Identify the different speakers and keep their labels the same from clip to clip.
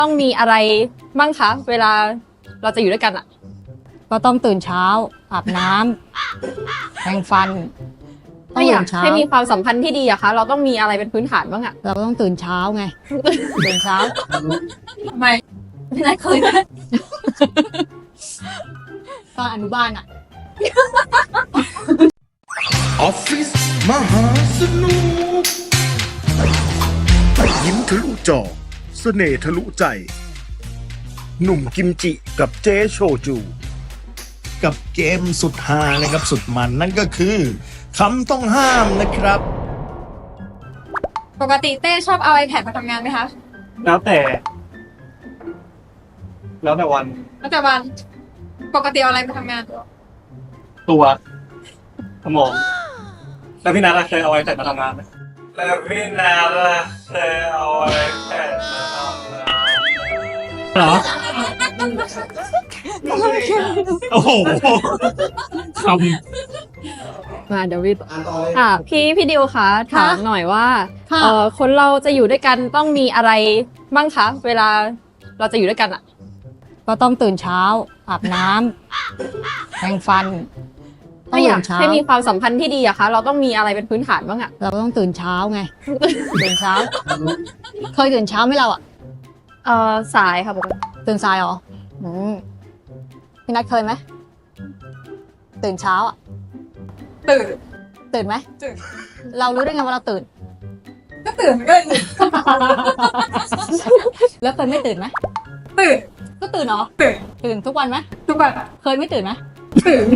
Speaker 1: ต้องมีอะไรบ้างคะเวลาเราจะอยู่ด้วยกันอ่ะ
Speaker 2: ก็ต้องตื่นเช้าอาบน้ำแปรงฟันต้อ
Speaker 1: ถ้าง อยาก
Speaker 2: ตื่นเช้า
Speaker 1: ให้มีความสัมพันธ์ที่ดีอะคะเราต้องมีอะไรเป็นพื้นฐานบ้างอะ
Speaker 2: เราก็ต้องตื่นเช้าไง ตื่นเช้า
Speaker 1: ทำไมไม่ได้เคยนะ
Speaker 2: ตอนอนุบาลอ่ะ
Speaker 3: ออฟฟิศมหาสนุก ยิ้มทะลุจอเสน่ห์ทะลุใจ หนุ่มกิมจิกับเจ๊โชจู กับเกมสุดฮานะครับสุดมันนั่นก็คือคำต้องห้ามนะครับ
Speaker 1: ปกติเต้ชอบเอา iPad มาทำงานไหมคะ
Speaker 4: แล้วแต่วัน
Speaker 1: แล้วแต่วันปกติเอาอะไรมาทำงาน
Speaker 4: ตัวสมองแล้วพี่นัทเคยเอาไว้แต่มาทำงานไหมแล้วพี่นัทเคยเอาไว้แต่มาทำงานเหรอโอ้โหคำ
Speaker 1: มาเดวิดค่ะพี่ดิวคะถามหน่อยว่า
Speaker 2: ค่ะ
Speaker 1: คนเราจะอยู่ด้วยกันต้องมีอะไรบ้างคะเวลาเราจะอยู่ด้วยกันอะ
Speaker 2: ก็ต้องตื่นเช้าอาบน้ำแปรงฟันต้อ
Speaker 1: ถ้าง อยา
Speaker 2: ตื่
Speaker 1: ก
Speaker 2: นเช้า
Speaker 1: ให้มีความสัมพันธ์ที่ดีอะคะเราต้องมีอะไรเป็นพื้นฐานบ้างอะ
Speaker 2: เราก็ต้องตื่นเช้าไง ตื่นเช้า เคยตื่นเช้าไหมเราอ่ะ
Speaker 1: สายค่ะปกติ
Speaker 2: ตื่นสายเหรอพี่นัทเคยไหมตื่นเช้าอ่ะ ตื่นไหม
Speaker 1: ตื่น
Speaker 2: เรารู้ได้ไงว่าเราตื่น
Speaker 1: ก็ตื่นก็
Speaker 2: แล้วเคยไม่ตื่นไหม
Speaker 1: ตื่น
Speaker 2: ก็ตื่นเหรอ ตื่นทุกวันไหม
Speaker 1: ทุกวัน
Speaker 2: เคยไม่ตื่นไหม
Speaker 1: ตื่น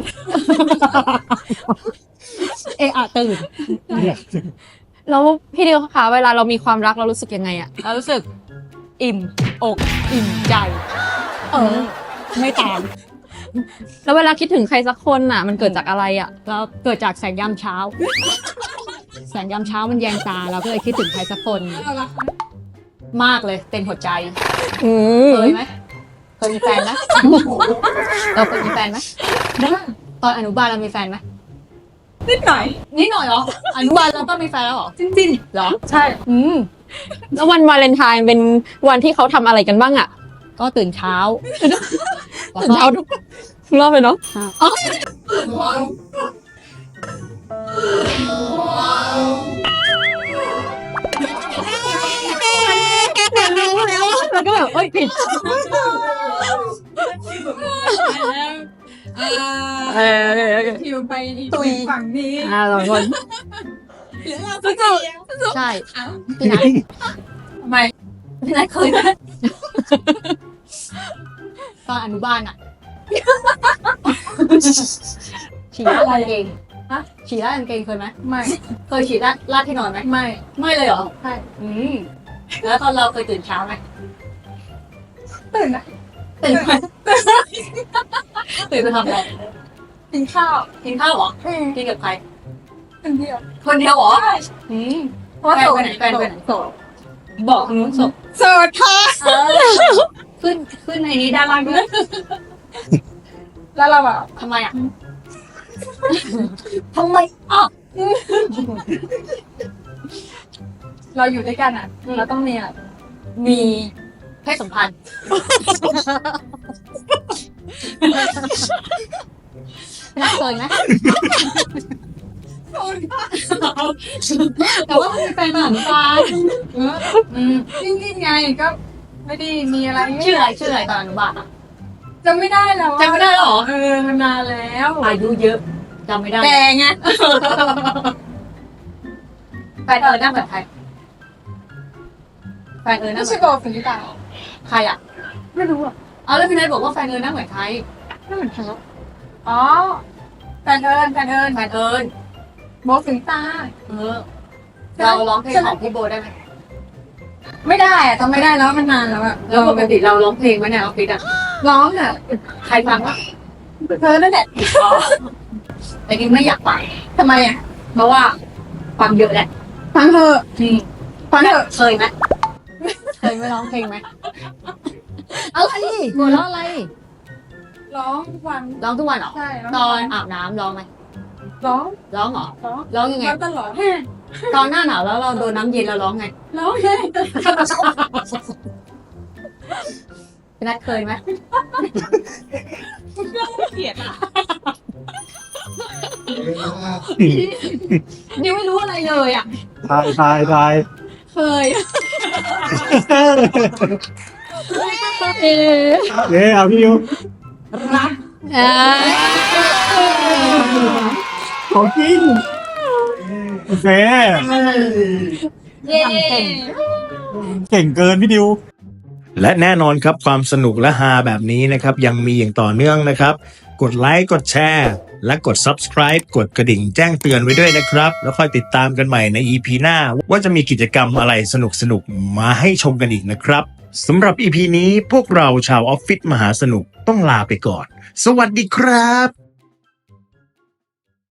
Speaker 2: ตื่น
Speaker 1: แล้วพี่ดิวคะเวลาเรามีความรักเรารู้สึกยังไงอะ
Speaker 2: เรารู้สึก อิ่มอกอิ่มใจ ไม่ตาม
Speaker 1: แล้วเวลาคิดถึงใครสักคนอะมันเกิดจากอะไรอะ
Speaker 2: เราเกิดจากแสงยามเช้า แสงยามเช้ามันแยงตาเราก็เลยคิดถึงใครสักคนมากเลยเต็มหัวใจเคยไหมเคยมีแฟนไหมเราเคยมีแฟนไหมตอนอนุบาลเรามีแฟนไหม
Speaker 1: นิดหน่อย
Speaker 2: นิดหน่อยเหรออนุบาลเราก็มีแฟนแล้วเหรอ
Speaker 1: จริง
Speaker 2: เหรอ
Speaker 1: ๆใช่ แล้ววันวาเลนไทน์เป็นวันที่เขาทำอะไรกันบ้างอะ
Speaker 2: ก็ตื่นเช้าแล้ว
Speaker 1: ตื่น
Speaker 2: ก็
Speaker 1: เช้าทุกรอบเลยเนาะ
Speaker 2: แล้วก็แบบเอ้ยผิด
Speaker 1: คิวไป
Speaker 2: ตุย
Speaker 1: ฝั่งนี้
Speaker 2: สองคน ใช่พี่นัท
Speaker 1: ทำไมไม่ได้เคยนะ
Speaker 2: ตอนอนุบาลอ่ะ ฉี่ราดกางเกงฉี่ราดกางเกงเคยไหม
Speaker 1: ไม่
Speaker 2: เคยฉี่ราดที่นอนไหม
Speaker 1: ไม่
Speaker 2: ไม่เลยเหรอ
Speaker 1: ใช่
Speaker 2: แล้วตอนเราเคยตื่นเช้าไหม
Speaker 1: ตื่นนะ
Speaker 2: ตื่นไหมตื่นไปทำอะไร
Speaker 1: กินข้าว
Speaker 2: กินข้าวเหรอกินกับใคร
Speaker 1: คนเดียว
Speaker 2: คนเดียวเหรอ
Speaker 1: เพราะว่า
Speaker 2: แฟนไปไหนแฟนไปไหนบอกทางนู้นส่ง
Speaker 1: โสดค่ะ
Speaker 2: ขึ้นในนี้ด้านล่างด้วย
Speaker 1: แล้วเราแบบ
Speaker 2: ทำไมอ่ะ
Speaker 1: ทำไมอ่ะเราอยู่ด้วยกันอ่ะเราต้องมีอ่ะ
Speaker 2: มีเพศสัมพันธ์น่าเคยไหมแต่ว่ามีแฟนมาหลังตา
Speaker 1: จริงๆไงก็ไม่ได้มีอะไร
Speaker 2: ชื่ออะไรตอนอนุบาลอ่ะ
Speaker 1: จำไม่ได้แล้ว
Speaker 2: จำไม่ได้หรอ
Speaker 1: มันนานแล้ว
Speaker 2: อายุเยอะจำไม่ได้
Speaker 1: แกไง
Speaker 2: แฟนนั่งแบบใครแฟนนั่
Speaker 1: ไม่
Speaker 2: ง
Speaker 1: ใช่
Speaker 2: แบบ
Speaker 1: โบฟิลิปา
Speaker 2: ใครอ่ะ
Speaker 1: ไม่รู้อ่ะ
Speaker 2: เอาแล้วพี่นายบอกว่าแฟนนั่งเหมือนใคร
Speaker 1: ไม่เหมือนใครหรอกอ๋อแฟนเอิญ
Speaker 2: แฟนเอิญ
Speaker 1: โบฟิลิปา
Speaker 2: เราร้องเพลงของพี่โบได้ไหม
Speaker 1: ไม่ได้อะจำไม่ได้แล้วมันนานแล้วอะ
Speaker 2: แล้วปกติเราร้องเพลงไหมเนี่ยออฟฟิศอ่ะ
Speaker 1: ร้องอะ
Speaker 2: ใครฟังวะ
Speaker 1: เธอนั่นแหละ
Speaker 2: แต่กินไม่อยากฟัง
Speaker 1: ทำไมอะ
Speaker 2: เพราะว่าฟังเยอะแหละ
Speaker 1: ฟังเธอะฟังเธอะ
Speaker 2: เคยไหมเคยไม่ร้องเพลงไหมอะไรหัวเราะอะไร
Speaker 1: ร้องทุกวัน
Speaker 2: ร้องทุกวันเหรอ
Speaker 1: ใช่
Speaker 2: ตอนอาบน้ำร้องไหม
Speaker 1: ร้อง
Speaker 2: ร้องเหรอ
Speaker 1: ร้อง
Speaker 2: ร้องยังไง
Speaker 1: ร้องตลอด
Speaker 2: ตอนหน้าหนาวแล้วเราโดนน้ำเย็นเราร้องไง
Speaker 1: ร้องเลย
Speaker 2: พี่นัทเคยไหม
Speaker 1: เกลียดอ่ะ
Speaker 2: นิวไม่รู้อะไรเลยอ่ะ
Speaker 4: ทาย
Speaker 2: เคย
Speaker 4: เอาพี่ยู
Speaker 2: รัก
Speaker 4: ของจริงโอเค
Speaker 2: เย้
Speaker 4: เก่งเกินพี่ดิว
Speaker 3: และแน่นอนครับความสนุกและฮาแบบนี้นะครับยังมีอย่างต่อเนื่องนะครับ กดไลค์กดแชร์และกด subscribe กดกระดิ่งแจ้งเตือนไว้ด้วยนะครับ แล้วค่อยติดตามกันใหม่ใน EP หน้า ว่าจะมีกิจกรรมอะไรสนุกๆมาให้ชมกันอีกนะครับสำหรับ EP นี้พวกเราชาวออฟฟิศมหาสนุกต้องลาไปก่อน สวัสดีครับ